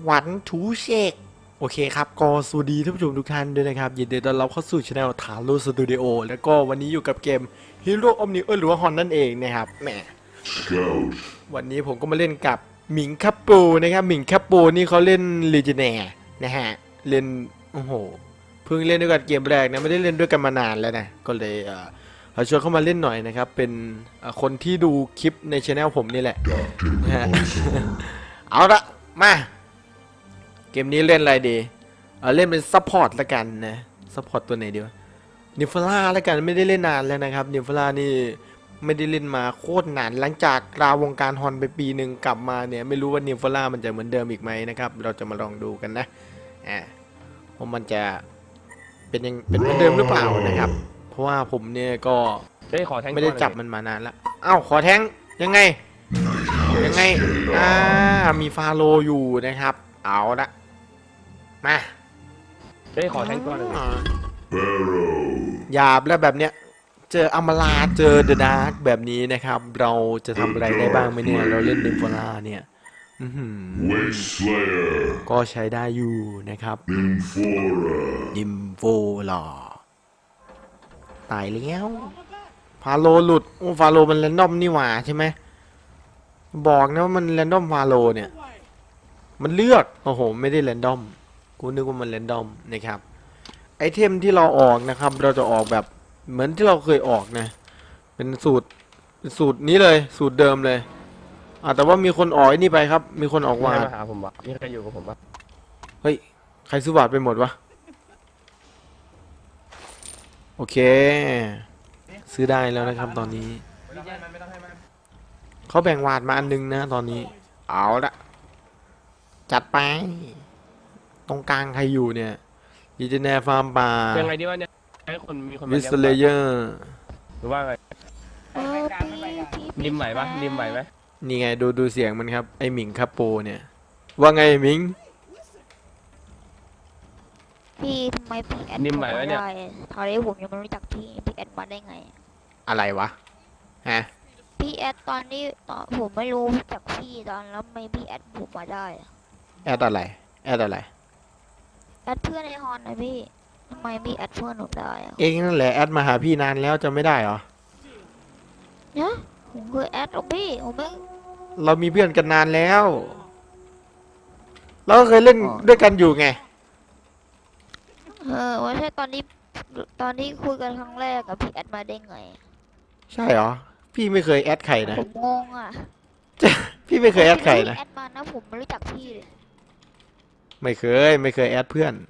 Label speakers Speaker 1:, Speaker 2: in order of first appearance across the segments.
Speaker 1: หวันถูเชกโอเคครับก็สวัสดีท่านผู้ชมทุกท่านด้วยนะครับยินดีต้อนรับเข้าสู่ช anel ถาโร่สตูดิโอแล้วก็วันนี้อยู่กับเกม Hero Omniverse หรือว่าฮอนนั่นเองนะครับแหมวันนี้ผมก็มาเล่นกับหมิงคัปปูนะครับหมิงคัปปูนี่เขาเล่นลีเจเนียนะฮะเล่นโอ้โหเพิ่งเล่นด้วยกันเกมแรกนะไม่ได้เล่นด้วยกันมานานแล้วนะก็เลยเราชวนเข้ามาเล่นหน่อยนะครับเป็นคนที่ดูคลิปในช anel ผมนี่แหละนะฮะ เอาละมาเกมนี้เล่นอะไรดีเล่นเป็นซัพพอร์ตละกันนะซัพพอร์ตตัวไหนดีวะนิฟล่าละกันไม่ได้เล่นนานแล้วนะครับนิฟล่านี่ไม่ได้เล่นมาโคตรนานหลังจากลาวงการฮอนไปปีหนึ่งกลับมาเนี่ยไม่รู้ว่านิฟล่ามันจะเหมือนเดิมอีกไหมนะครับเราจะมาลองดูกันนะว่ามันจะเป็นเหมือนเดิมหรือเปล่านะครับเพราะว่าผมเนี่ยก็ไม่ได้จับมันมานานแล้วเอ้าขอแทงยังไงมีฟาโลอยู่นะครับเอาละมา
Speaker 2: ขอแทงตัวหนึ่ง
Speaker 1: หยาบแล้วแบบเนี้ยเจออมราเจอเดอะดาร์กแบบนี้นะครับเราจะทำอะไรได้บ้างไหมเนี่ยเราเล่นนิมโฟล่าเนี่ยก็ใช้ได้อยู่นะครับนิมโฟล่าตายแล้วฟาโลหลุดโอ้ฟาโลมันแรนดอมนี่หว่าใช่ไหมบอกนะว่ามันแรนดอมฟาโลเนี่ยมันเลือกโอ้โหไม่ได้แรนดอมกูนึกว่ามันแรนดอมนะครับไอเทมที่เราออกนะครับเราจะออกแบบเหมือนที่เราเคยออกนะเป็นสูตรนี้เลยสูตรเดิมเลยแต่ว่ามีคนออกไอ้นี่ไปครับมีคนออกวาด
Speaker 2: มาหาผมวะมีใครอยู่กับผมปะ
Speaker 1: เฮ้ยใครซื้อวาดไปหมดวะโอเคซื้อได้แล้วนะครับตอนนี้เขาแบ่งวาดมาอันนึงนะตอนนี้เอาละจัดไปตรงกลางใครอยู่เนี่ยดีเจเนฟาร์มป่า
Speaker 2: ยังไงดีวะเนี่ยให้คนมีคนมา
Speaker 1: วิสเลเยอร์
Speaker 2: หรือว่าไงริมไหวปะริมไหวไหม
Speaker 1: นี่ไงดูเสียงมันครับไอหมิงคาโปเนี่ยว่าไงหมิง
Speaker 3: พี่ทำไมพี่แอด
Speaker 2: ริมไหวไหมเนี่ย
Speaker 3: ตอนนี้ผมยังไม่รู้จักพี่แอดมาได้ไง
Speaker 1: อะไรวะฮะ
Speaker 3: พี่แอดตอนนี้ผมไม่รู้จักพี่ตอนแล้วไม่พี่แอดผมมาได้
Speaker 1: แอดอะไร
Speaker 3: แอดเพื่อนในฮอนนะพี่ทำไมพี่แอดเพื่อนหนูได้
Speaker 1: เองนั่นแหละแอดมาหาพี่นานแล้วจะไม่ได้เหรอ
Speaker 3: เนี่ยผมเคยแอดหรอพี่ผมไม่
Speaker 1: เรามีเพื่อนกันนานแล้วเราก็เคยเล่นด้วยกันอยู่ไง
Speaker 3: ไม่ใช่ตอนนี้คุยกันครั้งแรกกับพี่แอดมาได้ไง
Speaker 1: ใช่เหรอพี่ไม่เคยแอดใครนะ
Speaker 3: ผมงงอ่ะ
Speaker 1: พี่ไม่เคยแอดใครนะ
Speaker 3: แอดมานะผมไม่รู้จักพี่เลย
Speaker 1: ไม่เคยแอดเพื่อน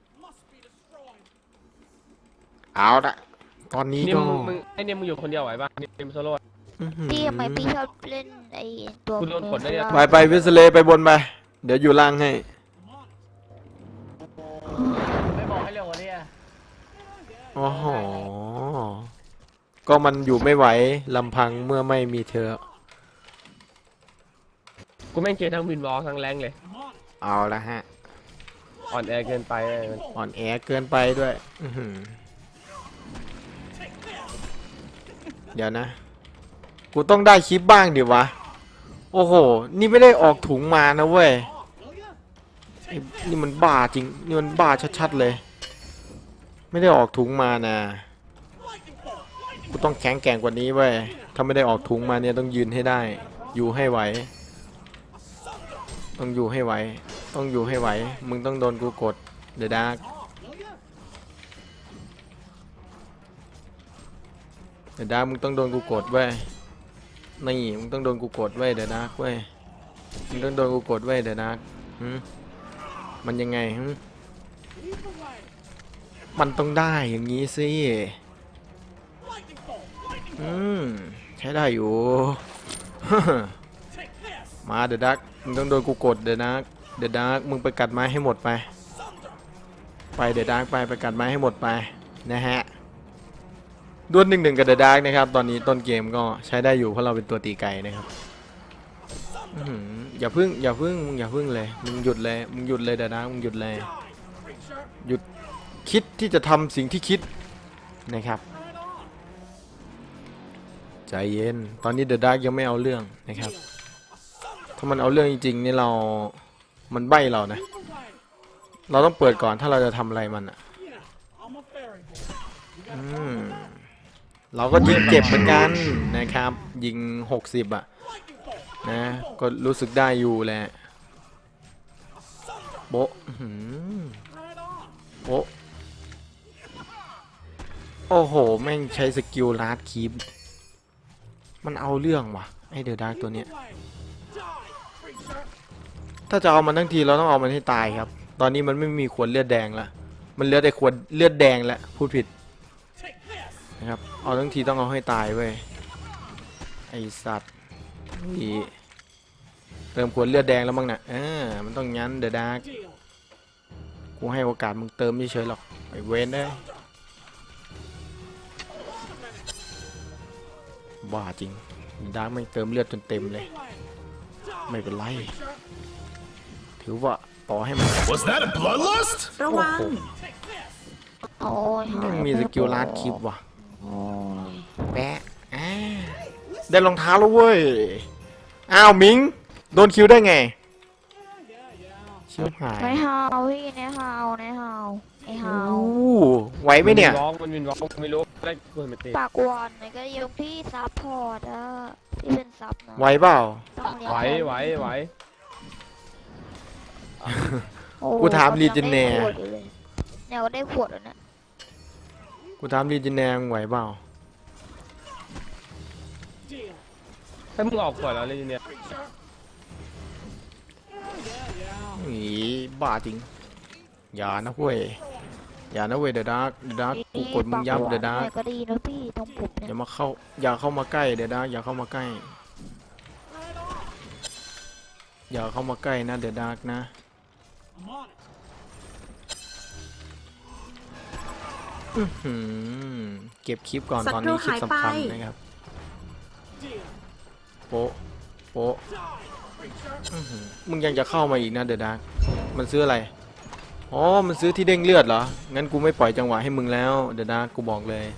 Speaker 1: เอาละตอนนี้ก็
Speaker 2: มึงไอเนี่ยมึงอยู่คนเดียวไหวปะนิมโซโล่
Speaker 3: พี่ทำไมพี่ชอบเล่นไอตัว
Speaker 2: กูโดนกดได้เนี่ย
Speaker 1: ไปวิสเลไปบนไปเดี๋ยวอยู่ล่างให้
Speaker 2: ไม่บอกให้เร็วกว่านี้
Speaker 1: อ๋อก็มันอยู่ไม่ไหวลำพังเมื่อไม่มีเธอ
Speaker 2: กูแม่งเจอทั้งวินวอลทั้งแรงเลย
Speaker 1: เอาละฮะ
Speaker 2: อ่อนแอเกินไป
Speaker 1: อ่อนแอเกินไปด้วยเดี๋ยวนะกูต้องได้คลิปบ้างดิวะโอ้โหนี่ไม่ได้ออกถุงมานะเว้ยนี่มันบ้าจริงนี่มันบ้าชัดๆเลยไม่ได้ออกถุงมานะกูต้องแข็งแกร่งกว่านี้เว้ยถ้าไม่ได้ออกถุงมาเนี่ยต้องยืนให้ได้อยู่ให้ไหวต้องอยู่ให้ไหวมึงต้องโดนกูกดเดอะดาร์กมึงต้องโดนกูกดเว้ยนี่มึงต้องโดนกูกดเว้ยเดอะดาร์กเว้ยมึงต้องโดนกูกดเว้ยเดอะดาร์กมันยังไงมันต้องได้อย่างนี้สิใช้ได้อยู่ มาเดอะดาร์กมึงต้องโดนกูกดเดอะดาร์กมึงไปกัดไม้ให้หมดไปเดอะดาร์กไปกัดไม้ให้หมดไปนะฮะดวล1-1กับเดอะดาร์กนะครับตอนนี้ต้นเกมก็ใช้ได้อยู่เพราะเราเป็นตัวตีไกลนะครับอย่าพึ่งมึงอย่าพึ่งเลยมึงหยุดเลยเดอะดาร์กมึงหยุดเลยหยุดคิดที่จะทำสิ่งที่คิดนะครับใจเย็นตอนนี้เดอะดาร์กยังไม่เอาเรื่องนะครับถ้ามันเอาเรื่องจริงๆนี่เรามันใบ้เรานะ เราต้องเปิดก่อนถ้าเราจะทำอะไรมันอ่ะเราก็ยิงเจ็บเหมือนกันนะครับ ยิง60อ่ะนะก็รู้สึกได้อยู่แหละโบ๊ะโบ๊ะโอ้โหแม่งใช้สกิลลาดคีปมันเอาเรื่องว่ะไอเดอะดาร์กตัวเนี้ยถ้าจะเอามันทั้งทีเราต้องเอามันให้ตายครับตอนนี้มันไม่มีขวดเลือดแดงละมันเหลือแต่ขวดเลือดแดงแล้วพูดผิดนะครับเอาทั้งทีต้องเอาให้ตายเว้ยไอสัตว์นี่เติมขวดเลือดแดงแล้วมั้งนะมันต้องงั้นเดอะดาร์กกูให้โอกาสมึงเติมไม่เฉยหรอกไอเวนได้บ้าจริงดาร์กไม่เติมเลือดจนเต็มเลยไม่เป็นไรถือว่าต่อให้มัน
Speaker 4: Was that a bloodlust?
Speaker 3: ระวังโอ้ย
Speaker 1: ยังมีสกิลลาดคลิปว่ะ
Speaker 3: โอ้ย
Speaker 1: แปะได้รองเท้าแล้วเว้ยอ้าวมิงโดนคิวได้ไงชิบหาย
Speaker 3: ในฮาวพี่ในฮาวในฮาวไอฮาว
Speaker 1: ไหวไหมเนี่ย
Speaker 2: มันวินวอล์กไม่รู้ได้เปิดมาตี
Speaker 3: ปากวอนไหนก็ยกพี่ซับพอร์ตอะที่เป็นซับนะ
Speaker 1: ไหวเปล่า
Speaker 3: ต้องเลี้ยง
Speaker 2: ไหว
Speaker 3: โอ้
Speaker 1: กูถามลีเจเน่
Speaker 3: เนี่ยก็ได้ขวดแล้วนะ
Speaker 1: กูถามลีจินแนงไหวเปล่า
Speaker 2: ให้มึงออกก่อนแล้วเลยเนี่ย
Speaker 1: อีบ้าจริงอย่านะเว้ยอย่านะเว้ยเดอะดาร์กกูกดมึงย้ำเดอะดาร์ก
Speaker 3: เนี่ยก็ดีนะพี่ตรงผมเนี่ย
Speaker 1: อย่าเข้ามาใกล้เดอะดาร์กอย่าเข้ามาใกล้อย่าเข้ามาใกล้นะเดอะดาร์กนะเก็บคลิปก่อนตอนนี้คลิปสำคัญนะครับโป๊ะโป๊ะมึงยังจะเข้ามาอีกนะเดอะดาร์กมันซื้ออะไรอ๋อมันซื้อที่เด้งเลือดเหรองั้นกูไม่ปล่อยจังหวะให้มึงแล้วเดอะดาร์กกูบอกเลย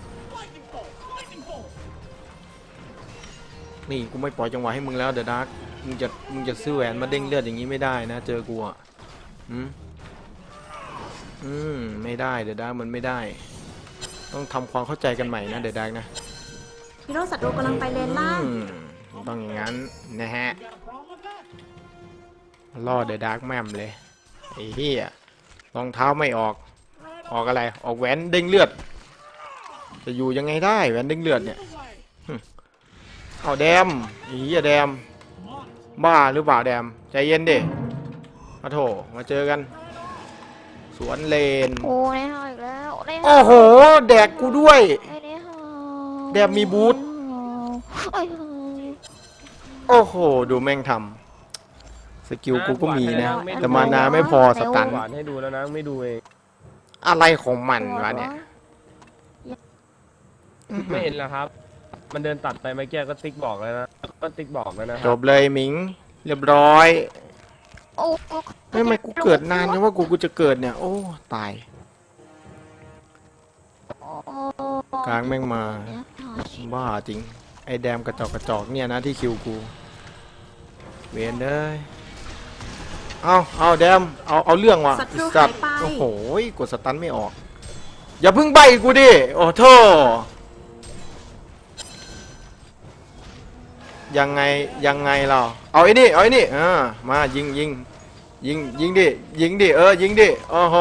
Speaker 1: นี่กูไม่ปล่อยจังหวะให้มึงแล้วเดอะดาร์กมึงจะซื้อแหวนมาเด้งเลือดอย่างนี้ไม่ได้นะเจอกูอ่ะไม่ได้เดอะดาร์กมันไม่ได้ต้องทำความเข้าใจกันใหม่นะเดอะดาร์กนะ
Speaker 5: ฮีโร่ศัตรูกำลังไปเลนล่าง
Speaker 1: ต้องอย่างนั้นนะฮะล่อเดอะดาร์กแม่มเลยไอ้เหี้ยรองเท้าไม่ออกอะไรออกแหวนเด้งเลือดจะอยู่ยังไงได้แหวนเด้งเลือดเนี่ยเอาแดมไอ้เหี้ยแดมบ้าหรือเปล่าแดมใจเย็นดิมาโถมาเจอกันสวนเลน
Speaker 3: โอ้ในฮาวอีกแล้วในฮาว
Speaker 1: โอ้โหแดกกูด้วย
Speaker 3: ไอ้ในฮาว
Speaker 1: แดมมีบูท
Speaker 3: ไอ้
Speaker 1: โอ้โหดูแม่งทำสกิลกูก็มีนะแต่มานาไม่พอสตัน
Speaker 2: หวานให้ดูแล้วนะไม่ดูเอง
Speaker 1: อะไรของมันวะเนี่ย
Speaker 2: ไม่เห็นแล้วครับ มันเดินตัดไปเมื่อกี้ก็ติ๊กบอกแล้วนะก็ติ๊กบอกแล้วนะค
Speaker 1: จ
Speaker 2: รับบ
Speaker 1: เลยหมิงเรียบร้อย
Speaker 3: โอ้
Speaker 1: ทำไมกูเกิดนานจังว่ากูจะเกิดเนี่ยโอ้ตายกลางแม่งมาบ้าจริงไอ้แดมกระจอกเนี่ยนะที่คิวกูเวนเลยเอาแดมเอาเรื่องว่ะ
Speaker 5: ศัตรู
Speaker 1: สัตว์
Speaker 5: หายไป
Speaker 1: โอ้โหกดสตันไม่ออกอย่าเพิ่งใบกูดิโอ้โธ่ยังไงเราเอาไอ้นี่มายิงดิยิงดิยิงดิโอ้โห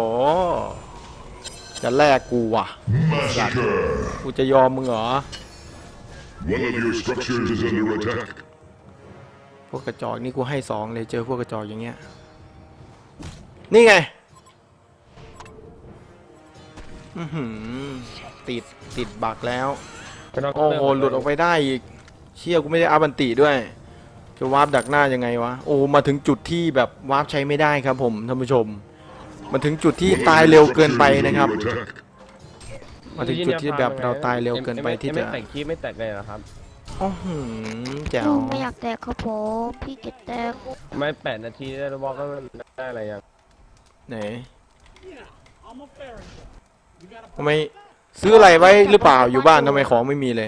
Speaker 1: จะแลกกูว่ะกูจะยอมมึงเหรอ
Speaker 4: One of your structures is under attack.
Speaker 1: พวกกระจอกนี่กูให้2เลยเจอพวกกระจอกอย่างเงี้ยนี่ไงติดบักแล้วโอ้โหหลุดออกไปได้อีกเชี่ยกูไม่ได้อัพอันติด้วยจะวาร์ปดักหน้ายังไงวะโอ้มาถึงจุดที่แบบวาร์ปใช้ไม่ได้ครับผมท่านผู้ชมมาถึงจุดที่ตายเร็วเกินไปนะครับ
Speaker 4: Under attack.
Speaker 1: มาถึงจุดที่แบบเราตายเร็วเกินไปที่จะ
Speaker 2: ไม่แตกคีบไม่แตกเลยนะครับ
Speaker 1: โอ้โหแจ๋ว
Speaker 3: ไม่อยากแตกครับผมพี่เก็ตแตก
Speaker 2: ไม่8 นาทีแล้วบอกก็ได้อะไรยัง
Speaker 1: ไหนทำไมซื้ออะไรไว้หรือเปล่าอยู่บ้านทำไมของไม่มีเลย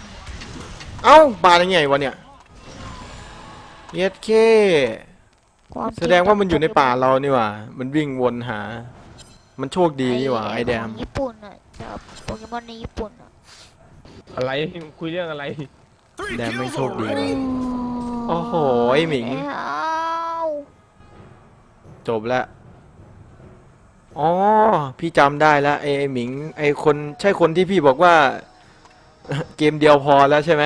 Speaker 1: เอ้าบาร์ยังไงวะเนี่ยเย็ดเค
Speaker 3: ความจริ
Speaker 1: แสดงว่ามันอยู่ในป่าเรานี่หว่า มันวิ่งวนหา มันโชคดีนี่หว่าไอแดม
Speaker 3: ของญี่ปุ่นอ่ะจากโปเกมอนในญี่ปุ่นอ่ะ
Speaker 2: อะไรคุยเรื่องอะไร
Speaker 1: แดมไม่โชคดีว่ะโอ้โหไอหมิง
Speaker 3: ไม่เอา
Speaker 1: จบแล้ว อ๋อ พี่จำได้แล้วไอหมิง ไอคนใช่คนที่พี่บอกว่า เกมเดียวพอแล้วใช่ไหม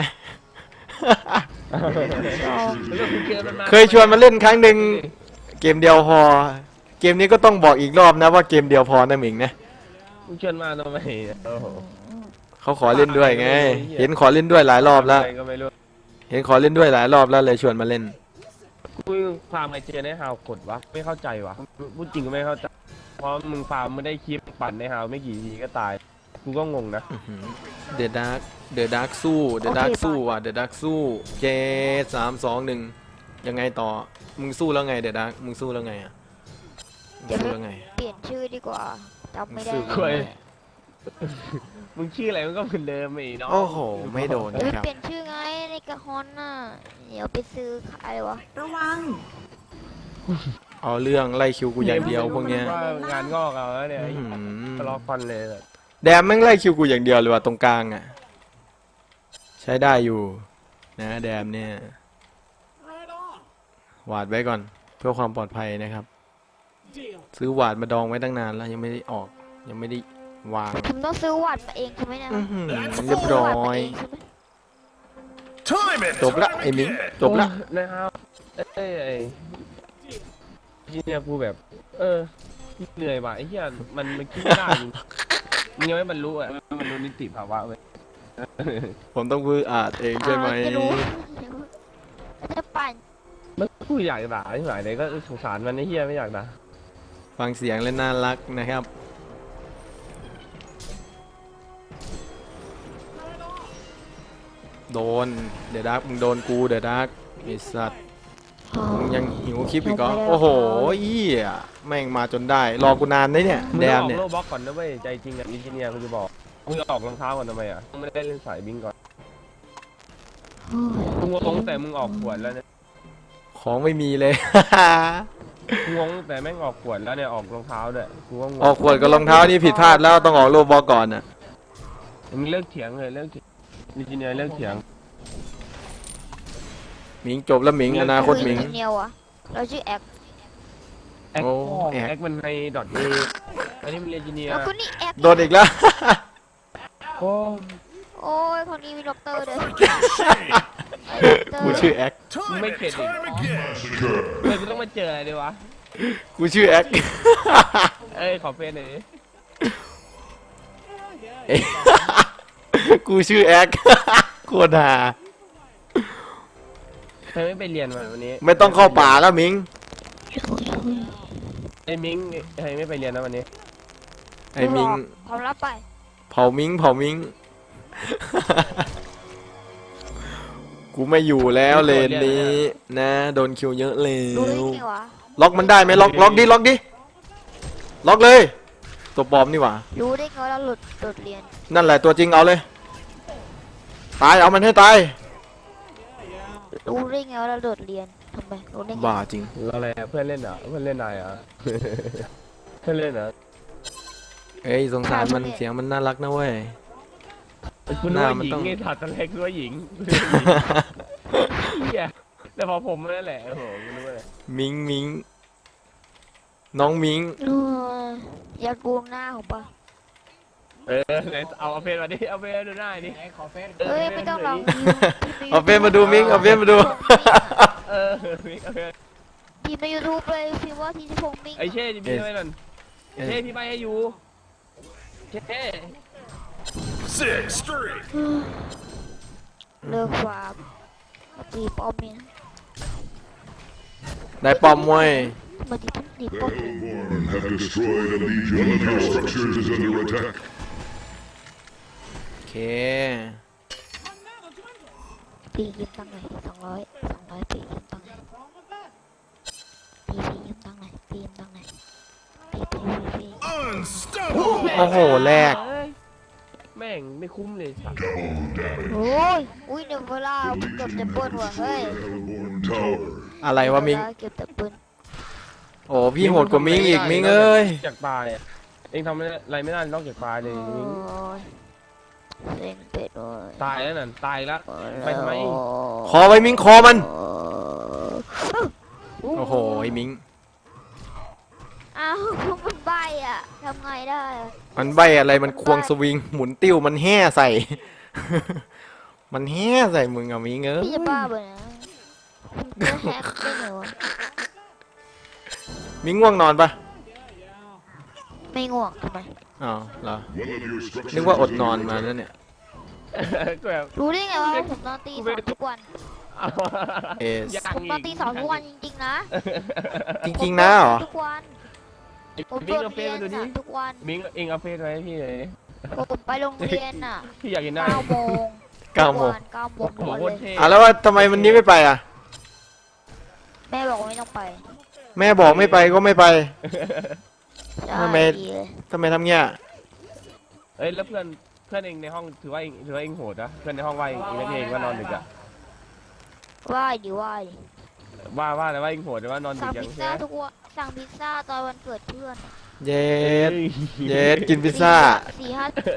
Speaker 1: เคยชวนมาเล่นครั้งหนึ่งเกมเดียวพอ เกมนี้ก็ต้องบอกอีกรอบนะว่าเกมเดียวพอนะหมิงนะ
Speaker 2: มึงชวนมาทำไมโอ้โห
Speaker 1: เขาขอเล่นด้วยไง เห็นขอเล่นด้วยหลายรอบแล้ว
Speaker 2: อะไรก็ไม่รู้
Speaker 1: เห็นขอเล่นด้วยหลายรอบแล้วเลยชวนมาเล่น
Speaker 2: กูฟาร์มไอเจนในฮาวกดวะไม่เข้าใจวะพูดจริงก็ไม่เข้าใจเพราะมึงฟาร์มไม่ได้คลิปปั่นในฮาวไม่กี่ทีก็ตายกูก็งงนะ
Speaker 1: เดอะดาร์กสู้เดอะดาร์กสู้ว่ะเดอะดาร์กสู้เจ3-2-1ยังไงต่อ มึงสู้แล้วไงเดอะดาร์กมึงสู้แล้วไงอ่ะมึงสู้แล้วไง
Speaker 3: เปลี่ยนชื่อดีกว่าจำไม่ได้
Speaker 1: รู้สึก
Speaker 2: เว้ย มึงชื่ออะไรมันก็เหมือนเดิมไอ้น้อง
Speaker 1: โอ้โห ไม่โดน
Speaker 3: เดี๋ยว
Speaker 1: นะครับ
Speaker 3: เปลี่ยนชื่อไงในกระฮอนน่ะเดี๋ยวไปซื้อขายเลยวะ
Speaker 5: ระวัง
Speaker 1: เอาเรื่องไล่คิวกูอย่างเดียวพวกเนี้ย
Speaker 2: ว่างานงอกเอาแล้วเนี่ย
Speaker 1: อื้อหือ
Speaker 2: ทะเลาะกันเลยแบบ
Speaker 1: แดมแม่งไล่คิวกูอย่างเดียวเลยว่ะตรงกลางอ่ะ ใช้ได้อยู่ นะแดมเนี่ยหวาดไว้ก่อน เพื่อความปลอดภัยนะครับ ซื้อหวาดมาดองไว้ตั้งนานแล้วยังไม่ได้ออก ยังไม่ได้วาง
Speaker 3: ผมต้องซื้อวัดมาเองใช่ไหมเนี่ย
Speaker 1: อื้อหือเรียบร้อย
Speaker 4: Time it!
Speaker 1: จบละไอ้หมิงจบละ
Speaker 2: โอ้นะครับไอ้ที่เนี่ยกูแบบ เหนื่อยว่ะไอ้เหี้ยมันคิดไม่ได้จริงมึงยังไม่บรรลุอ่ะบรรลุนิติภาวะเว้ย
Speaker 1: ผมต้องพูดอ่านเองใช่ไหม
Speaker 3: จะรู้จะปั่น
Speaker 2: มันกูอยากด่าที่ไหนเลยก็สงสารมันไอ้เหี้ยไม่อยากด่า
Speaker 1: ฟังเสียงและน่ารักนะครับ โดนเดอะดาร์กมึงโดนกูเดอะดาร์กไอ้สัตว์มึงยังหิวคลิปอีกเหรอโอ้โหเหี้ยแม่งมาจนได้ รอกูนานได้เนี่ย
Speaker 2: มึง
Speaker 1: แด
Speaker 2: ต้อง
Speaker 1: ม
Speaker 2: ออก
Speaker 1: เนี่ย
Speaker 2: โลบ็อกก่อนนะเว้ยใจจริงอ่ะอินจิเนียร์กูจะบอกมึงจะออกรองเท้าก่อนทำไมอ่ะมึงไม่ได้เล่นสายบิงก่อนมึงงงแต่มึงออกขวดแล้วเนี่ย
Speaker 1: ของไม่มีเลย
Speaker 2: กูงงแต่แม่งออกขวดแล้วเนี่ยออกรองเท้าด้วยกูก็งง
Speaker 1: ออกขวดกับรองเท้านี่ผิดพลาดแล้วต้องออกโลบอกก่อนน่ะ
Speaker 2: มึงเลิกเถียงเลยเลิกอินจิเนียร์เลิกเถียง
Speaker 1: หมิงจบแล้วหมิงอนาคตหมิง
Speaker 3: อินเนียวอะเราชื่อแอก
Speaker 2: แอค
Speaker 1: โอ้แอค
Speaker 2: แอคมันในดอทเออันนี้มันเรียนอินจิเนียร์
Speaker 3: แล้วก็นี่แอก
Speaker 1: โดนอีกแล้ว
Speaker 2: โอ้
Speaker 3: โอ้ยคนนี้มีด็อกเตอร์ด้วย
Speaker 1: กูชื่อแอค
Speaker 2: มึงไม่เข็ดอีก
Speaker 4: Massacre!
Speaker 2: ทำไมกูต้องมาเจออะไรดีวะ
Speaker 1: กูชื่อแอค
Speaker 2: เอ้ยขอเฟซหน่อยดิ
Speaker 1: กูชื่อแอค โคตรฮา
Speaker 2: เธอไม่ไปเรียนมาวันนี้
Speaker 1: ไม่ต้องเข้าป่าแล้วหมิง
Speaker 2: ไอ้มิงเธอไม่ไปเรียนนะวันนี้
Speaker 1: ไอ้หมิง
Speaker 3: พร้อมรับไป
Speaker 1: เผามิงเผามิง กูไม่อยู่แล้วเลนนี้นะโดนคิวเยอะเล
Speaker 3: รู้ได้
Speaker 1: ว
Speaker 3: ไงวะ
Speaker 1: ล็อกมันได้ไหมล็อกล็อกดิล็อกดิล็อกเลย ตัวปลอมนี่หว่า
Speaker 3: รู้ได้ไงว่าเราหลุดเรียน
Speaker 1: นั่นแหละตัวจริงเอาเลย ตายเอามันให้ตาย
Speaker 3: รู้ได้ไงว่าเราโดดเรียนทำไมรู้ได้ไง
Speaker 1: บ้าจริง
Speaker 2: อะไรอะเพื่อนเล่นเหรอเพื่อนเล่นนายเหรอ เพื่อนเล่นเหรอ
Speaker 1: เอ้ยสงสารมันเสียงมันน่ารักนะเว้ย
Speaker 2: คุณ
Speaker 1: ห
Speaker 2: นึก
Speaker 1: น้า
Speaker 2: ว่า
Speaker 1: มัน
Speaker 2: หญิง
Speaker 1: ต้อง
Speaker 2: ไงถัดตะเล็กนึกว่าหญิงเหี้ยแต่พอผมนั่นแหละโอ้โหกูนึกว่าอะไร
Speaker 1: มิงมิงน้องมิง
Speaker 3: เอออยากดูหน้าของปะ
Speaker 2: ไหนเอาเฟซมาดิเอาเฟซดูหน้าดิ
Speaker 3: เอ้ยไม่ต้องหรอก
Speaker 1: เอาเฟซมาดูมิงเอาเฟซมาดู
Speaker 2: เออมิงเอาเฟซ
Speaker 3: พิมพ์ในยูทูบเลยพิมพ์ว่าทีชิพงษ์มิง
Speaker 2: ไอ้เช่จะมีอะไรนั่นเช่พี่ไปให้อยู่เช่
Speaker 4: Six straight!
Speaker 3: เลิกฟาร์มมาตีป้อมมิน
Speaker 1: ได้ปอมมวย
Speaker 3: มาตีป้อม
Speaker 4: The Hellborn have destroyed a legion. One of your structures is under attack.
Speaker 1: โอเค
Speaker 3: ปียืมตังค์หน่อย200ปียืมตังค์หน่อยปียืมตังค์หน่อยปียืมตังค์หน่อยปี
Speaker 4: Unstoppable!
Speaker 1: โอ้โหแรก
Speaker 2: แม่งไม่คุ้มเลยสัตว์
Speaker 3: โอ้ยอุ้ยเดี๋ยวเวลาเกือบจะปล้นว่ะเฮ้ย
Speaker 4: Hellborn Tower.
Speaker 1: อะไรวะมิง
Speaker 3: เกือบจะปล้น
Speaker 1: โอ้พี่โหดกว่ามิงอีกมิงเอ้ย
Speaker 2: จากตายอะเองทำอะไรไม่ได้นอกจากตายเลย
Speaker 3: โอ้
Speaker 2: มิง
Speaker 3: ยเล่นเป็ดเลย
Speaker 2: ตายแล้วนั่นตายแล้ว ไปทำไม
Speaker 1: คอไว้มิงคอมันโอ้โหไอ้มิง
Speaker 3: อ้าวมันใบอ่ะทำไงได้อะ
Speaker 1: มันใบอะไรมันควงสวิงหมุนติ้วมันแห่ใส่ มันแห่ใส่มึงอะมิงเอ้ย
Speaker 3: พี่จะบ้าไปนะคุณจะแฮกได้เหรอ
Speaker 1: มิงง่วงนอนปะ
Speaker 3: ไม่ง่วงทำไม
Speaker 1: อ้าวเหรอ
Speaker 4: One of your structures
Speaker 1: นึกว่าอด
Speaker 4: is
Speaker 1: นอน
Speaker 4: under
Speaker 1: มา
Speaker 4: attack.
Speaker 1: แล้วเนี่ย
Speaker 2: ก็แบบ
Speaker 3: รู้ได้ไงว่าผมนอนตีสองทุกวัน
Speaker 2: เอา
Speaker 1: เอส
Speaker 3: ผมนอนตีสองทุกวันจริงๆนะ
Speaker 1: จริงๆนะเหรอ
Speaker 3: ทุกวันผม
Speaker 2: มิ
Speaker 3: โด
Speaker 2: ง
Speaker 3: ด
Speaker 2: เอาเฟ
Speaker 3: เรี
Speaker 2: ซ
Speaker 3: ยน
Speaker 2: มาดูดิ
Speaker 3: อะทุกวัน
Speaker 2: มิงเองเอาเฟซไว้ให้พี่เลย
Speaker 3: ผมไปโรงเรียนอ่ะ
Speaker 2: พี่อยากเห็นหน้า
Speaker 3: 9 โมง
Speaker 1: 9 โมง
Speaker 3: 9 โมง
Speaker 2: โอ้โห
Speaker 3: ทุกวัน
Speaker 2: โค
Speaker 3: เล
Speaker 2: ตร
Speaker 3: ย
Speaker 2: เท่
Speaker 1: อ่ะแล้วว่าทำไมวันนี้ไม่ไปอ่ะ
Speaker 3: แม่บอกว่าไม่ต้องไป
Speaker 1: แม่บอกไม่ไปก็ไม่ไป
Speaker 3: ใช่
Speaker 1: ทำไม
Speaker 3: ดีเลย
Speaker 1: ทำไมทำเงี้ย
Speaker 2: เอ้ยแล้วเพื่อนเองในห้องถือว่าเองโหดนะเพื่อนในห้องว่าเองนักเลงว่านอนดึกอะ
Speaker 3: ว่ายดิว่ายดิ
Speaker 2: ว่าแต่ว่าเองโหดแต่ว่านอนดึ
Speaker 3: สั่
Speaker 2: ก
Speaker 3: ง
Speaker 2: ยัง
Speaker 3: พิซ
Speaker 2: ใช่
Speaker 3: ซ่า
Speaker 2: ไหม
Speaker 3: ทุกวันสั่งพิซซ่าตอนวันเกิดเพื่อนอะ
Speaker 1: เย็ด
Speaker 2: เอ้ย
Speaker 1: เย็ดกินพิซซ่า
Speaker 3: 4-5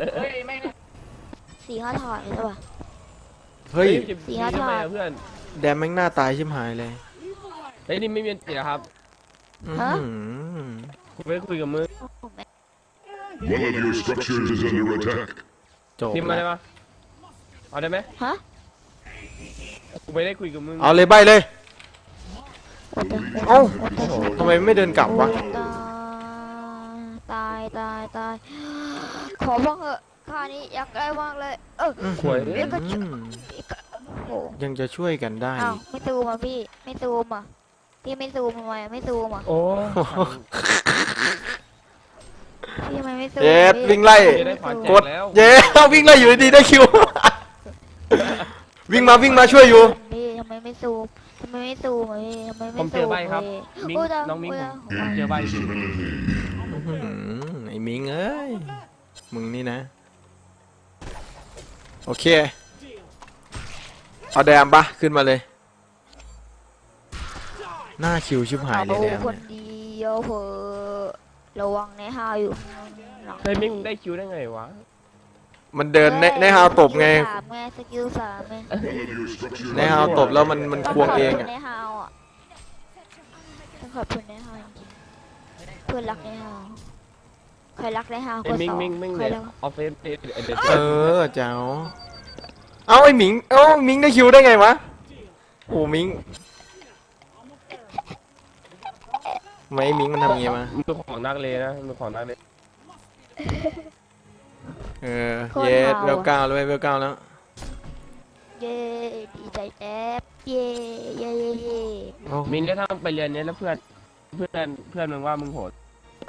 Speaker 3: 4-5 ถาดเลยใช่ป่ะ
Speaker 1: เฮ้ย
Speaker 2: จะ
Speaker 3: สี่ห้า
Speaker 2: ทำไม
Speaker 3: ถาด
Speaker 2: อะเพื่อน
Speaker 1: แดมแม่งหน้าตายชิบหายเลย
Speaker 2: เฮ้ยนี่ไม่มีติดนะครับ
Speaker 1: อื้อหือ
Speaker 2: กูไม่คุยกับมึง
Speaker 3: ผมไม่
Speaker 4: One of your structures is under attack.
Speaker 1: จบ
Speaker 2: พิมพ์มา
Speaker 1: แล้
Speaker 2: ได้
Speaker 1: ว
Speaker 2: ปะเอาได้ไหม
Speaker 3: ฮะ
Speaker 2: กูไม่ได้คุยกับมึง
Speaker 1: เอาเลยใบเลย
Speaker 3: วัดเดิม
Speaker 1: เอ้าทำไมไม่เดินกลับวะ
Speaker 3: ตายขอบ้างเหอะค่านี้อยากได้มากเลย
Speaker 2: หวย
Speaker 3: เดี๋ยวก็
Speaker 1: อืม
Speaker 3: โอ้
Speaker 1: ยังจะช่วยกันได้
Speaker 3: อ้าวไม่ซูมอ่ะพี่ไม่ซูมอ่ะพี่ไม่ซูมทำไมอะไม่ซูมอ่ะ
Speaker 2: โอ้
Speaker 3: พี่ทำไมไม่ซูม
Speaker 1: เย็ด
Speaker 3: พี่
Speaker 1: วิ่งไล่
Speaker 2: จะได้ขวานแจ
Speaker 1: ก
Speaker 2: ก
Speaker 1: ด
Speaker 2: แล้ว
Speaker 1: เย็ดวิ่งไล่อยู่ดีๆได้คิว วิ่งมาช่วยอยู่
Speaker 3: พี่ทำไมไม่ซูมทำไมไม่ซูมอ่ะพี่ทำไม
Speaker 2: ผ
Speaker 3: ไม่
Speaker 2: มเจ
Speaker 3: ซู
Speaker 2: อ
Speaker 3: ม
Speaker 2: ใบครับ
Speaker 3: พี่
Speaker 2: มิง
Speaker 3: โยตาย
Speaker 2: น้องมิง
Speaker 3: โย
Speaker 2: ผมเจอใบ
Speaker 4: Invisibility.
Speaker 1: อื้อหือไอ้มิงเอ้ย มึงนี่นะ โอเค เอาแดมปะขึ้นมาเลย หน้าคิวชิบหายเลยแดม
Speaker 3: คนเดียวเหอะระวังในฮาวอยู่ข้างหลัง
Speaker 2: เฮ้ยมิงได้คิวได้ไงวะ
Speaker 1: มันเดินในฮาวตบไง
Speaker 3: สกิลสามไง
Speaker 4: One of your structures
Speaker 1: ในฮาวตบแล้วมันควงเอง
Speaker 3: ต้
Speaker 1: อ่ะ
Speaker 3: ในฮาวอ่ะต้องขอบคุณในฮาวจริงๆเพื่อนรักในฮาวใครรักในฮาว
Speaker 2: ไอ้
Speaker 3: ก็
Speaker 2: มิง
Speaker 3: สอง
Speaker 2: มิงมิง
Speaker 3: ใคร
Speaker 2: เนี่ย
Speaker 3: รัก
Speaker 2: ออฟเฟซเด็ด
Speaker 1: เออเจ้า เอาไอ้หมิง เอ้ามิงได้คิวได้ไงวะ โอ้มิงทำไมไอ้มิงมันทำอย่างงี้มา
Speaker 2: มือของนักเลนะมือของนักเล
Speaker 1: เออ เย็ดเวลเก้าแล้วเว้ยเวลเก้าแล้ว
Speaker 3: เย้ดีใจแจ๊บเย้เย้เย้เย้
Speaker 1: โอ้
Speaker 2: มิงก็ทำไปเรียนเนี้ยแล้วเพื่อนมึงว่ามึงโหด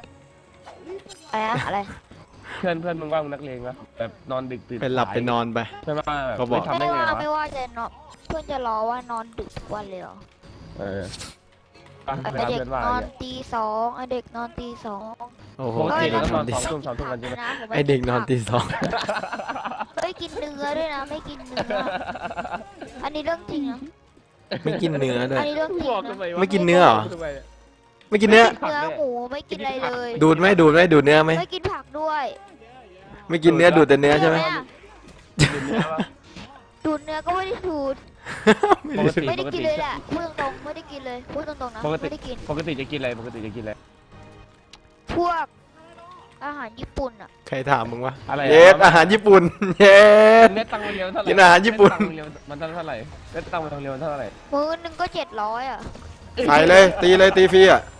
Speaker 3: อะไร
Speaker 2: เพื่อนมึงว่ามึงนักเลงปะแบบนอนดึกตื่น
Speaker 1: ไปหลับไปนอนไป
Speaker 2: ใช่ไหมแบบ
Speaker 1: ก็บอก
Speaker 2: ไม่ทำได้ไงวะ
Speaker 3: ไม่ว่าจะนอนเพื่อนจะรอว่านอนดึกทุกวันเลยเหรอ
Speaker 2: เออไป
Speaker 3: ไอ
Speaker 2: ไปรับ
Speaker 3: เด็ก
Speaker 2: เพื่อนว่าน
Speaker 3: อน
Speaker 2: เนี่ย
Speaker 3: ตีสองไอเด็กนอนตีสอง
Speaker 1: โอ้โห
Speaker 2: ปกติ
Speaker 1: เด็ก
Speaker 2: เรา
Speaker 1: น
Speaker 2: น
Speaker 1: อ
Speaker 2: อน น
Speaker 1: ตี
Speaker 2: สอง
Speaker 1: สอง
Speaker 2: ทุ่มสองทุ่มกันใช่ไหม
Speaker 1: ไอเด็กนอนตีสอง
Speaker 3: ไม่กินเนื้อด้วยนะไม่กินเนื้ออันนี้เรื่องจริงนะ
Speaker 1: ไม่กินเนื้อด้ว
Speaker 3: อั
Speaker 1: ย
Speaker 3: นนี้เรื่องจริง
Speaker 2: บอก
Speaker 3: นะ
Speaker 2: ทำไมวะ
Speaker 1: ไม่กินเนื้อเหรอ
Speaker 2: ทำไม
Speaker 1: ไม่กินเนื้อ
Speaker 3: เนื้อหมูไม่กินอะไรเลย
Speaker 1: ดูดไหมดูดเนื้อไหม
Speaker 3: ไม่กินผักด้วย
Speaker 1: ไม่กินเนื้อดูดแต่เนื้อใช่ไหม
Speaker 3: อะ
Speaker 2: กินเนื้อปะ
Speaker 3: ดูดเนื้อก็ไม่ได้ดูด
Speaker 2: ปกติ
Speaker 3: ไม่ได้กินเลยแหละพูดตรงๆไม่ได้กินเลยพูดตรงๆนะ
Speaker 2: ปกติ
Speaker 3: ไม่ได้กิน
Speaker 2: ปกติจะกินอะไรปกติจะกินอะไร
Speaker 3: พวกอาหารญี่ปุ่นอ่ะ
Speaker 1: ใครถามมึงวะ
Speaker 2: อะไร
Speaker 1: เย็ดอาหารญี่ปุ่น เย็ด
Speaker 2: เน็ตตังค์โรงเรียนมันเท่าไหร่
Speaker 1: กินอาหารญี่ปุ่น
Speaker 2: เน็ตตังค์โรงเรียนมันเท่าไหร่เน็ตตังค์โรงเรียนมันเท่าไหร่
Speaker 3: มื้อนึงก็700อ่ะ
Speaker 1: ใส่เลยตีเลยตีฟรีอ่ะ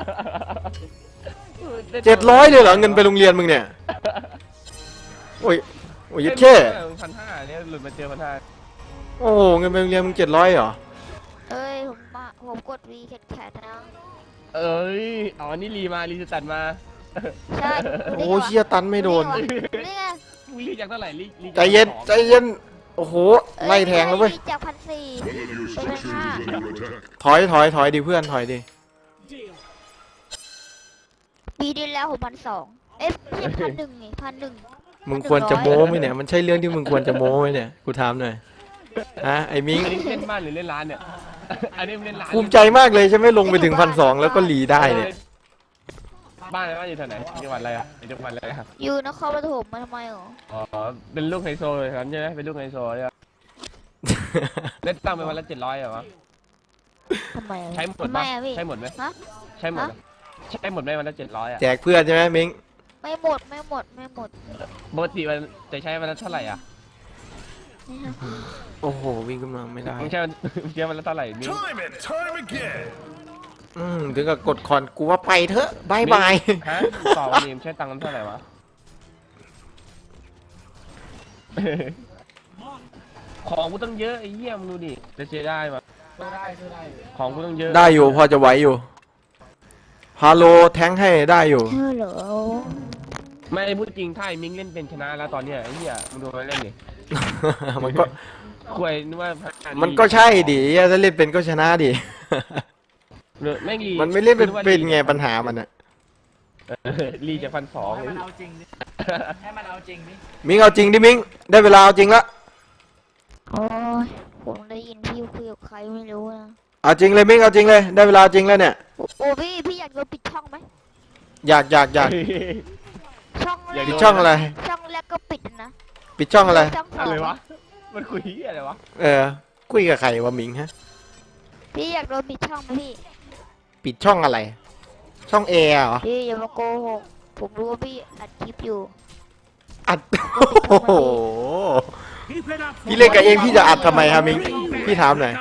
Speaker 1: 700เลยเหรอเงินไปโรงเรียนมึงเนี่ย โอ้ยโอ้ยยึดแค่
Speaker 2: 1,500เนี่ยหลุดมาเจอ1,500
Speaker 1: โอ้โหเงินไปโรงเรียนมึง700เหรอ
Speaker 3: เอ้ยผมกดวีแขนนะ
Speaker 2: เอ้ยอ๋อนี่รีสตัดมา
Speaker 3: ใช่
Speaker 1: โอ้เชี่ยตันไม่โดน
Speaker 3: นี่ไง
Speaker 2: มึงรีจากเท่าไหร่รี
Speaker 1: ใจเย็นใจเย็น โอ้โหไล่แทงแล้วเว้ย
Speaker 3: จาก1,400
Speaker 4: One of your structures is under attack.
Speaker 1: ถอยดิเพื่อนถอยดิ
Speaker 3: ปีที่แล้วผม1,200เอ๊ะไม่ใช่1,100ไง1,100
Speaker 1: มึงควรจะโม้ไหมเนี่ยมันใช่เรื่องที่มึงควรจะโม้ไหมเนี่ยกูถามหน่อยฮะไอ้มิง
Speaker 2: อันนี้เล่นบ้านหรือเล่นร้านเนี่ยอันนี้เล่นร้าน
Speaker 1: ภูมิใจมากเลยใช่ไหมลงไปถึง1,200แล้วก็หลีได้เนี่ย
Speaker 2: บ้านอะไรบ้านอยู่แถวไหนจังหวัดอะไรอ่ะจังหวัดอะไรครับ
Speaker 3: อยู่นครปฐมมาทำไมหรอ
Speaker 2: อ๋อเป็นลูกไฮโซเลยครับใช่ไหมเป็นลูกไฮโซใช่ไหมเล่นตังค์ไปวันละ700เหรอวะ
Speaker 3: ทำไมอะ
Speaker 2: ใช้หมด
Speaker 3: ทำไม
Speaker 2: ปะ
Speaker 3: อะพี่
Speaker 2: ใช้หมดไหม
Speaker 3: ฮะ
Speaker 2: ใช้หมดไหมใช้หมดไหมวันละ700อ่ะ
Speaker 1: แจกเพื่อนใช่ไหมมิง
Speaker 3: ไม่หมดไม่หมดไม่หมด
Speaker 2: ปกติมันจะใช้วันละเท่าไหร่อ่ะ
Speaker 3: นี่ฮะ
Speaker 1: โอ้โหวิ่งขึ้นมาไม่ได้
Speaker 2: มึงใช้วันละเท่าไหร่มิ้ง
Speaker 4: Time and time again.
Speaker 1: ถึงกับกดคอนกูว่าไปเถอะบายบาย
Speaker 2: ฮะต่อวันนี้มึงใช้ตังค์กันเท่าไหร่วะ ของกูต้องเยอะไอ้เหี้ยมึงดูดิจะเสียได้ปะของกูต้องเยอะ
Speaker 1: ได้อยู่พอจะไหวอยู่ฮาโลแทงค์ให้ได้อยู่
Speaker 3: ฮัลโหล
Speaker 2: ไม่พูดจริงถ้าไอ้มิ้งเล่นเป็นชนะแล้วตอนเนี้ยไอ้เหี้ยมึงดูมันเล่นดิ
Speaker 1: มันก็
Speaker 2: คุยนึกว่า
Speaker 1: มันก็ใช่ดิถ้าเล่นเป็นก็ชนะดิ
Speaker 2: แม่งลี
Speaker 1: มันไม่เล่นเป็นไงปัญหามันอะ
Speaker 2: ลีจะ1,200เลย
Speaker 1: มิงเอาจริงดิมิงได้เวลาเอาจริงละ
Speaker 3: โอ้ยผมได้ยินพี่คุยกับใครไม่รู้นะ
Speaker 1: เอาจริงเลยมิงเอาจริงเลยได้เวลาจริงแล้วเนี่ย
Speaker 3: โอ้พี่อยากโดนปิดช่องไหม
Speaker 1: อยาก
Speaker 3: ช่องแร
Speaker 2: อยาก
Speaker 3: ก
Speaker 1: ปิดช่องอะไร
Speaker 3: ช่องแรกก็ปิดนะ
Speaker 1: ปิดช่องอะไร
Speaker 3: ช่องส
Speaker 2: อะ
Speaker 3: อง
Speaker 2: ไรวะมันคุยเหี้ยอะไรวะ
Speaker 1: คุยกับใครวะมิงฮะ
Speaker 3: พี่อยากโดนปิดช่องไหมพี่
Speaker 1: ปิดช่องอะไร ช่องแอร์เหรอ
Speaker 3: พี่อย่ามาโกหกผมรู้ว่าพี่อัดคลิปอยู่
Speaker 1: อัด โอ้โหพี่เล่นกับเองพี่จะอัดทำไมครับมิงพี่ถามหน่อย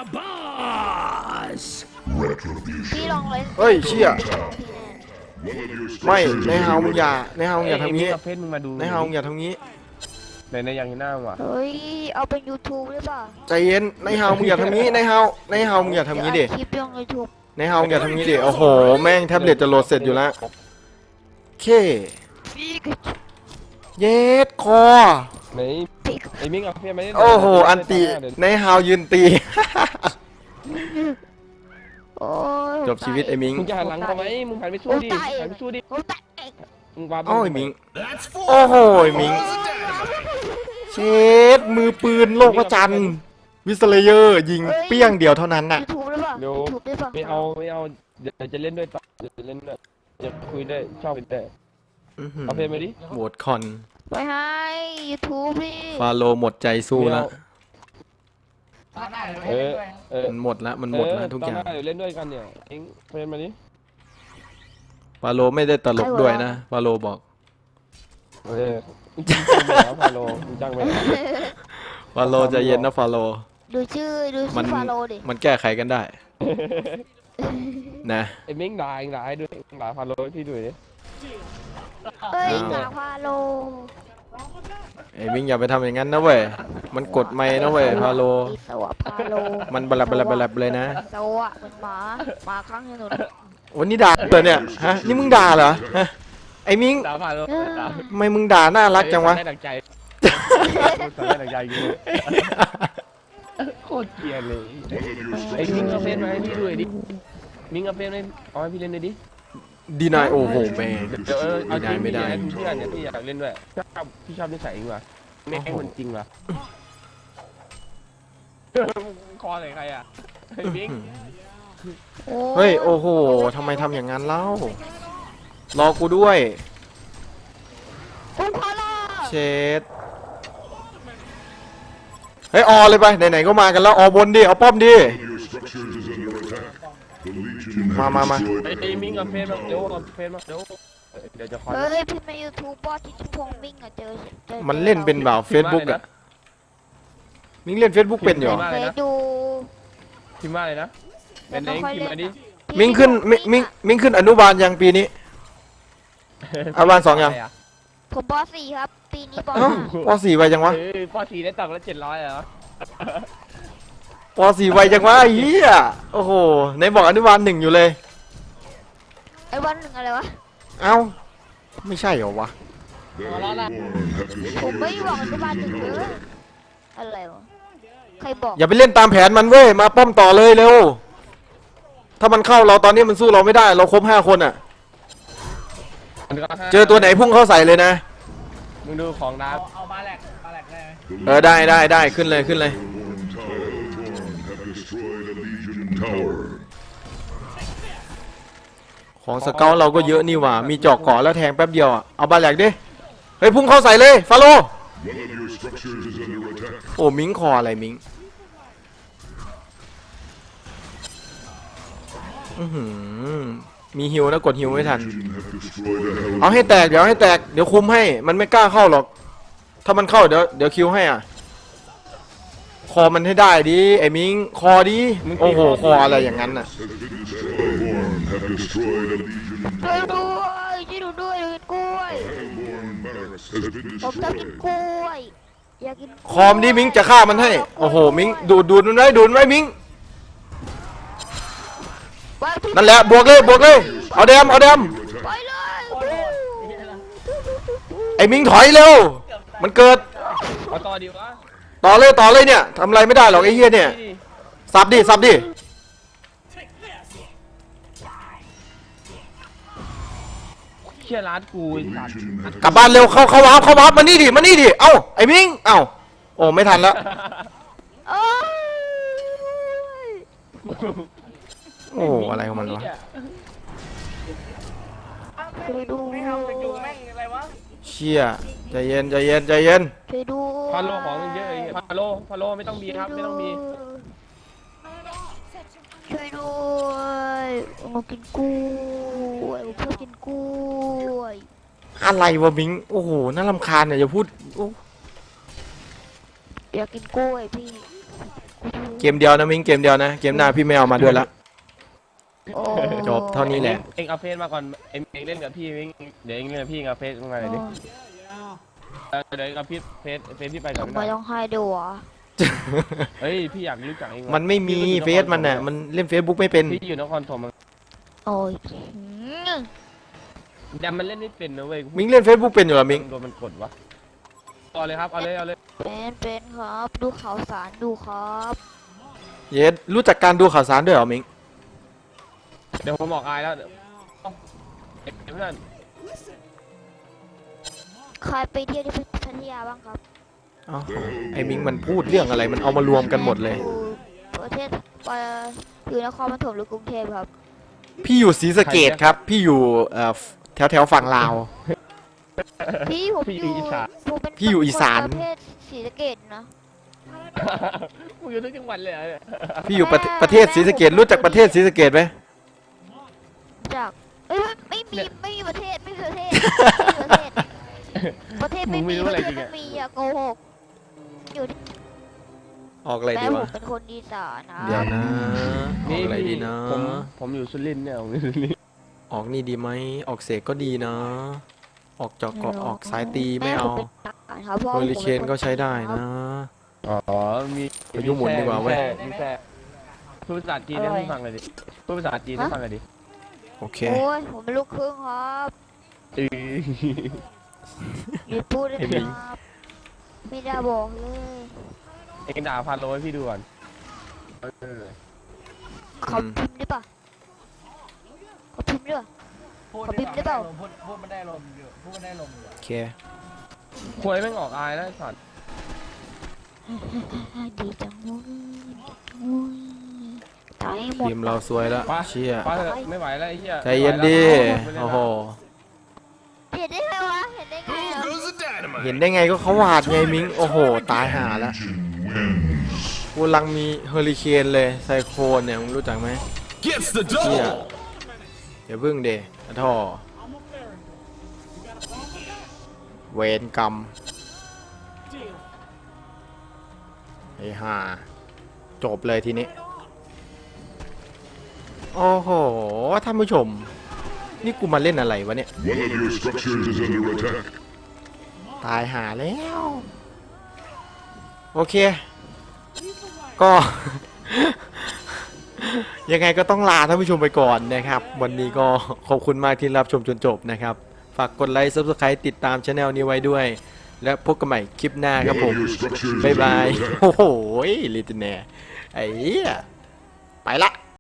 Speaker 3: พี่ลองเลย
Speaker 1: เฮ้ยเชี่ย
Speaker 3: พี่แน่
Speaker 4: One of your
Speaker 1: ไม่
Speaker 4: structures
Speaker 1: ใน
Speaker 4: is
Speaker 1: เฮา
Speaker 4: under
Speaker 1: มึงอย่า
Speaker 4: attack.
Speaker 1: ในเฮามึงอย่าทำงี้
Speaker 2: กับเพชรมึงมาดู
Speaker 1: ในเฮามึงอย่าทำงี้
Speaker 2: ในอย่างหน้าว่ะ
Speaker 3: เฮ้ยเอาเป็น YouTube หรือเปล่า
Speaker 1: ใจเย็นในเฮามึงอย่าทำงี้ในเฮามึงอย่าทำงี้ดิ
Speaker 3: เดี๋ยวอัดคลิปลง YouTube
Speaker 1: ในเฮามึงอย่าทำงี้ดิโอ้โหแม่งแท็บเล็ตจะโหลดเสร็จอยู่แล้วเค
Speaker 3: พี่ก็
Speaker 1: เย็ดคอ
Speaker 2: ไหนไอ้มิ้งเอาเพชรมาเล่น
Speaker 1: โอ้โหอันติในเฮายืนตี
Speaker 3: โอ้ย
Speaker 1: จบชีวิตไอ้มิง
Speaker 2: มึงจะหันหลังทำไมมึงหันไปสู้ดิหันไปสู้ดิ
Speaker 3: ผมตัดเอง
Speaker 2: มึงวาง
Speaker 1: โอ้ยมิง
Speaker 4: That's
Speaker 1: โอ้
Speaker 4: four.
Speaker 1: โหมิงเชดมือปืนโลกประจันทร์วิสเลเยอร์ยิงเปี้ยงเดียวเท่านั้นน่ะ
Speaker 3: YouTube หรือเปล่า YouTube ได้เปล่า
Speaker 2: ไม่เอาเดี๋ยวจะเล่นด้วยต่อเดี๋ยวจะเล่นด้วยจะคุยได้ชอบคุยได้
Speaker 1: อื้อหือ
Speaker 2: เอาเพชรมาดิ
Speaker 1: โหวตคอน
Speaker 3: ไปให้ YouTube พี่
Speaker 1: ฟาโลหมดใจสู้แล้ว
Speaker 2: เออ
Speaker 1: มันหมดแล้วมันหมดแล้วทุกอย่าง
Speaker 2: ตนหน้เดี๋ยวเล่นด้วยกันเนี่ยเอ็งเพชรมาดิ
Speaker 1: ฟาโลไม่ได้ตลกด้วยนะฟาโลบอก
Speaker 2: เออมึงจ้างไปแล้วพาโลมึงจ้างไปแล้ว
Speaker 1: ฟาโลใจเย็นนะฟาโล
Speaker 3: ดูชื่อ
Speaker 1: มัน
Speaker 3: ฟาโลดิ
Speaker 1: มันแก้ไขกันได้นะ
Speaker 2: ไอ้มิ้งด่าเองด่าให้ด้วยด่าพาโลให้พี่ด้วยดิ
Speaker 3: เฮ้ยหนาฟาโล
Speaker 1: ไอ้มิงอย่าไปทำอย่างนั้นนะเว้ยมันกดไม่นะเว้ยฟาโล
Speaker 3: อีสวะฟาโล
Speaker 1: มันบลับเลยนะ
Speaker 3: สวะเป็นหมาหมาข้างถนน
Speaker 1: วันนี้ด่าเหรอเนี่ยฮะนี่มึงด่าเหรอฮะไอ้มิง
Speaker 2: ด่าพาโลด่า
Speaker 1: ทำไมมึงด่าน่ารักจังวะ
Speaker 2: ได้ดังใจได้ดังใจกูโคตรเกลียดเลย
Speaker 4: One of your
Speaker 2: ไอ้มิ้งเอาเพช
Speaker 4: structures
Speaker 2: รมาให้พี่ด้วยดิมิ้งเอาเพชรมาเอาให้พี่เล่นด้วยดิ
Speaker 1: ดีนายโอ้โหแม่ง
Speaker 2: เดี๋ยวเอา
Speaker 1: ดี
Speaker 2: จริ
Speaker 1: นาย
Speaker 2: ง
Speaker 1: ไม่ได้
Speaker 2: พี่อยากเนี่ยพี่อยากเล่นด้วยพี่ชอบนิสัยเองว่ะไม่ให้คนจริงว่ะคอใส่ใครอ่ะไอ้มิ้ง
Speaker 1: เฮ้ยโอ้โหทำไมทำอย่างนั้นเล่ารอกูด้วย
Speaker 3: คุณพาโล
Speaker 1: เชดเฮ้ยออเลยไปไหนๆก็มากันแล้วออบนดิเอาป้อมดิ
Speaker 4: of your structures is under attack. The Legion has
Speaker 1: Ma.
Speaker 4: destroyed
Speaker 2: ไอ้มิ้งเอาเพชรมาเดี๋ยวเอาเพชรมาเดี๋ยวจะคอย
Speaker 3: เฮ้ยพี่ใน YouTube บอสที่ชุพงมิ่งอะเจอ
Speaker 1: มันเล่นเป็นแบบเฟซบุ๊กอะมิงเล่นเฟซบุ๊กเป็นอยู่เหรอ
Speaker 3: เคยดู
Speaker 2: พิมพ์ว่าอะไรนะเป็นเองพิมพ์มาดิ
Speaker 1: มิงขึ้นมิงขึ้นอนุบาลยังปีนี้ อนุบาล2ยัง
Speaker 3: ผมบอสสี่ครับ ปีนี้บอส
Speaker 1: เอ้า
Speaker 3: ห้า
Speaker 1: ป .4 ไวจังวะ
Speaker 2: ปอสีได้ตังค์ละ700เหรอ
Speaker 1: ป .4 ไวจังวะไอ้เหี้ยโอ้โหไหนบอกอนุบาล1อยู่เลย
Speaker 3: ไอ้วันหนึ่งอะไรวะ
Speaker 1: เอ้าไม่ใช่เหรอวะ
Speaker 4: the Hellborn have
Speaker 3: ผมไม่
Speaker 4: destroyed
Speaker 3: บอกอ
Speaker 4: your
Speaker 3: นุบาลหนึ่ง
Speaker 4: Legion
Speaker 3: เลย
Speaker 4: tower.
Speaker 3: อะไรวะ ใครบอก
Speaker 1: อย่าไปเล่นตามแผนมันเว้ยมาป้อมต่อเลยเร็วถ้ามันเข้าเราตอนนี้มันสู้เราไม่ได้เราครบ5คนอะเจอตัวไหนพุ่งเข้าใส่เลยนะ
Speaker 2: มึงดูของดาว
Speaker 4: The
Speaker 1: ได้ขึ้นเลย
Speaker 4: Hellborn have destroyed a Legion tower.
Speaker 1: ของสเกลเราก็เยอะนี่หว่ามีจอกเกาะแล้วแทงแป๊บเดียวอะเอาบาแหลกดิเฮ้ยพุ่งเข้าใส่เลยฟาโล
Speaker 4: One of your structures is under attack.
Speaker 1: โอ้มิงคออะไรมิงอื้อหือมีฮิวนะกดฮิวไม่ทัน
Speaker 4: Legion have destroyed a hell.
Speaker 1: เอาให้แตกเดี๋ยวให้แตกเดี๋ยวคุมให้มันไม่กล้าเข้าหรอก ถ้ามันเข้าเดี๋ยวคิวให้อ่ะคอมันให้ได้ดิไอ้มิงคอดิโอ้โหคออะไรอย่างนั้นน่ะ
Speaker 4: Has been destroyed. Hellborn have destroyed a legion
Speaker 3: ช่วย
Speaker 4: tower.
Speaker 3: ด้วยช่วยหนูด้วยอยากกินกล้วย
Speaker 4: Hellborn barracks has been
Speaker 3: ผมชอบกิน
Speaker 4: destroyed.
Speaker 3: กล้วยอยากกิน
Speaker 1: คอมดิมิงจะฆ่ามันให้โอ้โหมิงดูดมันไว้มิง
Speaker 3: ไปพี่
Speaker 1: นั่นแหละบวกเลยเอาแดม
Speaker 3: ไปเลย
Speaker 1: ไอ้มิงถอยเร็วมันเกิด
Speaker 2: เอาต่อดีวะ
Speaker 1: ต่อเลยเนี่ยทำอะไรไม่ได้หรอกไอ้เหี้ยเนี่ย
Speaker 2: นี่
Speaker 1: สับดิ
Speaker 2: เชี่ยร้านกูไอ้สัตว์
Speaker 4: Legion have
Speaker 1: กลับบ้านเร็วเข้าวาร์ปมานี่ดิเอ้าไอ้มิงเอ้าโอ้ไม่ทันแล้ว
Speaker 3: เอ้ย
Speaker 1: โอ้อะไรของมันวะ
Speaker 3: ช่วยดู
Speaker 1: เชี่ยใจเย็น
Speaker 3: ช่วยดู
Speaker 2: ฟาโลของเยอะไอ้เหี้ยฟาโลไม่ต้องมีครับไม่ต้องมี
Speaker 3: ช่วยด้วยผมกินกล้วยผมชอบกินกล้วย
Speaker 1: อะไรวะมิงโอ้โหน่ารำคาญเนี่ยอย่าพูดโอ้
Speaker 3: อยากกินกล้วยพี่
Speaker 1: เกมเดียวนะมิงเกมเดียวนะเกมหน้าพี่ไม่เอามาด้วยละ
Speaker 3: โอ้
Speaker 1: จบเท่านี้แหละ
Speaker 2: เอ็งเอาเฟซมาก่อนเอ็งเล่นกับพี่เอ็งเดี๋ยวเอ็งเล่นกับพี่เอาเฟซมาหน่อยดิเดี๋ยวเอาเฟซพี่ไปก่อน
Speaker 3: ทำ
Speaker 2: ไม่
Speaker 3: ไม
Speaker 2: ได้
Speaker 3: ต้องให้ด้วยวะ
Speaker 2: เฮ้ยพี่อยากรู้จักเองว่ะ
Speaker 1: มันไม่มีเฟซมันน่ะมันเล่นเฟซบุ๊กไม่เป็น
Speaker 2: พี่อยู่นครถม
Speaker 3: โอ้ย
Speaker 2: แต่มันเล่นไม่เป็นนะเว้ย
Speaker 1: มิงเล่นเฟซบุ๊กเป็นอยู่เหรอมิง
Speaker 2: โดนมันกดวะเอาเลยครับเอาเลย
Speaker 3: เป็นครับดูข่าวสารดูครับ
Speaker 1: เย็ดรู้จักการดูข่าวสารด้วยเหรอมิง
Speaker 2: เดี๋ยวผมบอกอายแล้วเดี๋ยวเพื่อน
Speaker 3: ใครไปเที่ยวที่พัทยาบ้างครับ
Speaker 1: อ้าวไอ้มิงมันพูดเรื่องอะไรมันเอามารวมกันหมดเลย
Speaker 3: ประเทศอยู่นครปฐมหรือกรุงเทพครับ
Speaker 1: พี่อยู่ศรีสะเกดครับ พี่อยู่แถวฝั่งลาว
Speaker 3: พี่ผมอยู่ผมเป็น
Speaker 1: พี่อยู่อีสาน
Speaker 3: ประเทศศรีสะเกดนะ
Speaker 2: มึงอยู่ทุกจังหวัดเลยเหรอเนี่ย
Speaker 1: พี่อยู่ประเทศศรีสะเกดรู้จักประเทศศรีสะเกดไหม
Speaker 3: จากไม่มีประเทศไม่มีประเทศประเทศไม่มีประเทศไม่มีอย่าโกหกอยู่ที่
Speaker 1: ออกอะไร
Speaker 3: แม่
Speaker 1: ดี
Speaker 3: ผม
Speaker 1: วะ
Speaker 3: เป็นคนอีสานนะ
Speaker 1: เดี๋ยวนะออกอะไรดีนะ
Speaker 2: ผมอยู่สุรินทร์เนี่ยผมอยู่สุรินทร์
Speaker 1: ออกนี่ดีไหมออกเสกก็ดีนะ ออกจอกเกาะออกสายตีไม่เอา
Speaker 3: แผเป็นทหารครับพ่อ
Speaker 1: โฮลิเคนก็ใช้ได้นะ
Speaker 2: อ๋อมี
Speaker 1: ไปยุ่งหมุนดีกว่าเว้ย
Speaker 2: มีแค่พูดภาษาจีนให้ฟังเลยดิพูดภาษาจีนให้ฟังเลยดิ
Speaker 1: โอเค
Speaker 3: โอ้ยผมเป็นลูกครึ่งครับ
Speaker 2: เออ
Speaker 3: หยุดพูดเลย
Speaker 2: เห็นไหม
Speaker 3: ครับไม่ได้บอกเลย
Speaker 2: เอ็งด่าพาโลให้พี่ดูก่อนเออ
Speaker 3: เขาพิมพ์ได้ปะเขาพิมพ์ด้วย ขอพิมพ์ได้เปล่า
Speaker 2: พูดมันได้ลมอยู่พูดมันได้ลมอยู่
Speaker 1: โอเค
Speaker 2: ควยแม่งออกอายแล้วไอ้สัตว์
Speaker 3: ดีจังเลยตายหมด
Speaker 1: ทีมเราซวยแล้วเชี่ย
Speaker 2: ฟ้าเถอะไม่ไหวแล้วไอ้เหี้ย
Speaker 1: ใจเย็นดิโอ้โห
Speaker 3: เห็นได้ไงวะเห็นได้ไงอะ
Speaker 1: เห็นได้ไงก็เขาวาดไงมิงโอ้โหตายหาแล้ว
Speaker 4: Legion wins.
Speaker 1: กูกำลังมีเฮอริเคนเลยไซโคลนเนี่ยมึงรู้จักไหม
Speaker 6: Gets the
Speaker 1: เชี่ย
Speaker 6: double.
Speaker 1: เดี๋ยวพึ่งเดอะท่อเวรกรรมไอ้ห่าจบเลยทีนี้ โอ้โหท่านผู้ชม นี่กูมาเล่นอะไรวะเนี่ย
Speaker 4: One of your structures is under attack.
Speaker 1: ตายหาแล้ว โอเค ก็ ยังไงก็ต้องลาท่านผู้ชมไปก่อนนะครับ วันนี้ก็ขอบคุณมากที่รับชมจนจบนะครับ ฝากกดไลค์ Subscribe ติดตามช anel นี้ไว้ด้วย และพบกันใหม่คลิปหน้าครับ
Speaker 4: One
Speaker 1: ผ
Speaker 4: of
Speaker 1: ม
Speaker 4: your structures is
Speaker 1: บ๊าย
Speaker 4: under
Speaker 1: บาย
Speaker 4: attack.
Speaker 1: โอ้โหลิตเน่ไอ้เหี้ยไปละ